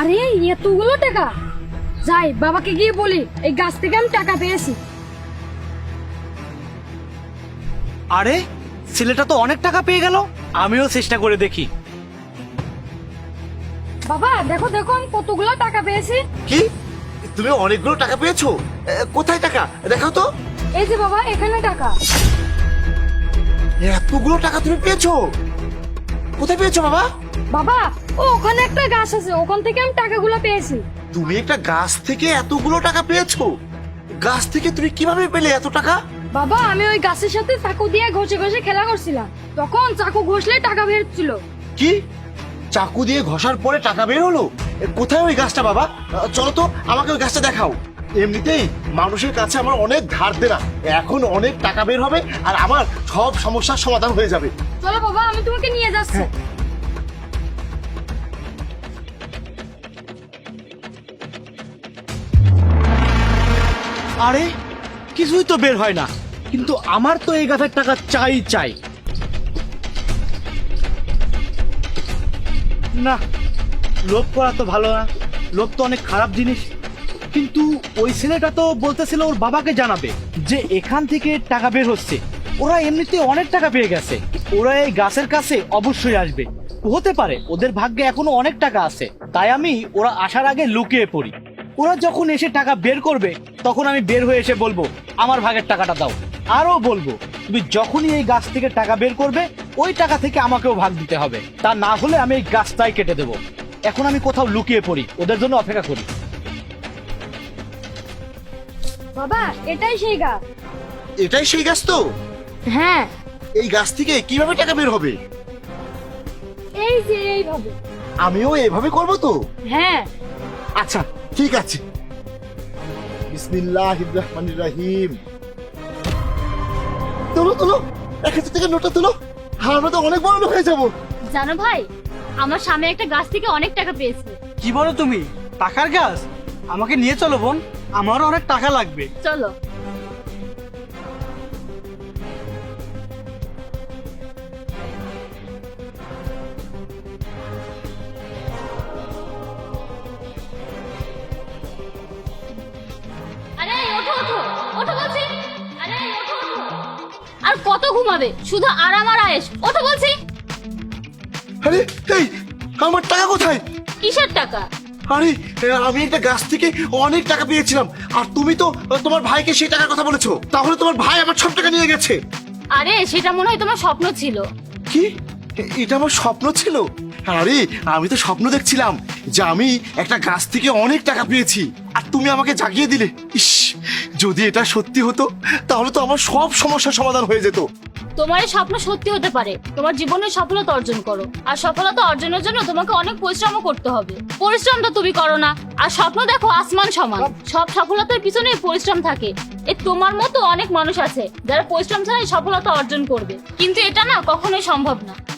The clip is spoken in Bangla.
আরে এতগুলো টাকা! যাই বাবাকে গিয়ে বলি এই গাছ থেকে আমি টাকা পেয়েছি। আরে ছেলেটা তো অনেক টাকা পেয়ে গেল, আমিও চেষ্টা করে দেখি। বাবা দেখো দেখো আমি কতগুলো টাকা পেয়েছি। কি, তুমি অনেকগুলো টাকা পেয়েছো? কোথায় টাকা দেখাও তো। এই যে বাবা এখানে টাকা। এতগুলো টাকা তুমি পেয়েছো? কোথায় পেয়েছো বাবা? বাবা ওখানে একটা গাছ আছে, ওখান থেকে আমি টাকাগুলো পেয়েছি। তুমি একটা গাছ থেকে এতগুলো টাকা পেয়েছো? গাছ থেকে তুমি কিভাবে পেলে এত টাকা? বাবা আমি ওই গাছের সাথে চাকু দিয়ে ঘষে ঘষে খেলা করছিলাম, তখন চাকু ঘষলে টাকা বেরোচ্ছিল। কি, চাকু দিয়ে ঘষার পরে টাকা বের হলো? কোথায় ওই গাছটা বাবা? চলো তো আমাকে ওই গাছটা দেখাও। এমনিতেই মানুষের কাছে আমার অনেক ধার দেনা, এখন অনেক টাকা বের হবে আর আমার সব সমস্যার সমাধান হয়ে যাবে। চলো বাবা আমি তোমাকে নিয়ে যাচ্ছি। আরে কিছুই তো বের হয় না, কিন্তু আমার তো এই গাছের টাকা চাই চাই। না, লোভ করা তো ভালো না, লোভ তো অনেক খারাপ জিনিস। কিন্তু ওই ছেলেটা তো বলতেছিল ওর বাবাকে জানাবে যে এখান থেকে টাকা বের হচ্ছে। ওরা এমনিতে অনেক টাকা পেয়ে গেছে, ওরা এই গাছের কাছে অবশ্যই আসবে। হতে পারে ওদের ভাগ্যে এখনো অনেক টাকা আছে, তাই আমি ওরা আসার আগে লুকিয়ে পড়ি। ওরা যখন এসে টাকা বের করবে তখন আমি বের হয়ে এসে বলবো আমার ভাগের টাকাটা দাও। আরও বলবো তুমি যখনই এই গাছ থেকে টাকা বের করবে ওই টাকা থেকে আমাকেও ভাগ দিতে হবে, তা না হলে আমি এই গাছটাই কেটে দেবো। এখন আমি কোথাও লুকিয়ে পড়ি, ওদের জন্য অপেক্ষা করি। বাবা এটাই সেই গাছ। এটাই সেই গাছ তো? হ্যাঁ এই গাছ থেকে কিভাবে টাকা বের হবে? এই যে এইভাবে। আমিও এভাবে করবো তো? হ্যাঁ আচ্ছা ঠিক আছে। বিসমিল্লাহির রহমানির রহিম। তোলো তোলো, 1000 টাকা নোটটা তোলো, আমরা তো অনেক বড় লোক হয়ে যাবো। জানো ভাই, আমার স্বামী একটা গাছ থেকে অনেক টাকা পেয়েছে। কি বলো তুমি? টাকার গাছ? আমাকে নিয়ে চলো বোন, আমারও অনেক টাকা লাগবে। চলো। আরে ওঠো ওঠো ওঠো বলছি। আরে ওঠো ওঠো। আর কত ঘুমাবে? শুধু আরাম আর আয়েশ। ওঠো বলছি। আরে এই, আমার টাকা কোথায়? কিসের টাকা? আরে আমি একটা গাছ থেকে অনেক টাকা পেয়েছিলাম, আর তুমি তো তোমার ভাইকে সেই টাকার কথা বলেছো, তাহলে তোমার ভাই আমার সব টাকা নিয়ে গেছে। আরে সেটা মনে হয় তোমার স্বপ্ন ছিল। কি, এটা আমার স্বপ্ন ছিল? আরে আমি তো স্বপ্ন দেখছিলাম যে আমি একটা গাছ থেকে অনেক টাকা পেয়েছি, আর তুমি আমাকে জাগিয়ে দিলে। ইস, যদি এটা সত্যি হতো তাহলে তো আমার সব সমস্যার সমাধান হয়ে যেত। তোমার এই স্বপ্ন সত্যি হতে পারে। তোমার জীবনে সফলতা অর্জন করো, আর সফলতা অর্জনের জন্য তোমাকে অনেক পরিশ্রম করতে হবে। পরিশ্রমটা তুমি করো না, আর স্বপ্ন দেখো আসমান সমান। সব সফলতার পিছনে পরিশ্রম থাকে। এ তোমার মতো অনেক মানুষ আছে যারা পরিশ্রম ছাড়াই সফলতা অর্জন করবে, কিন্তু এটা না কখনোই সম্ভব না।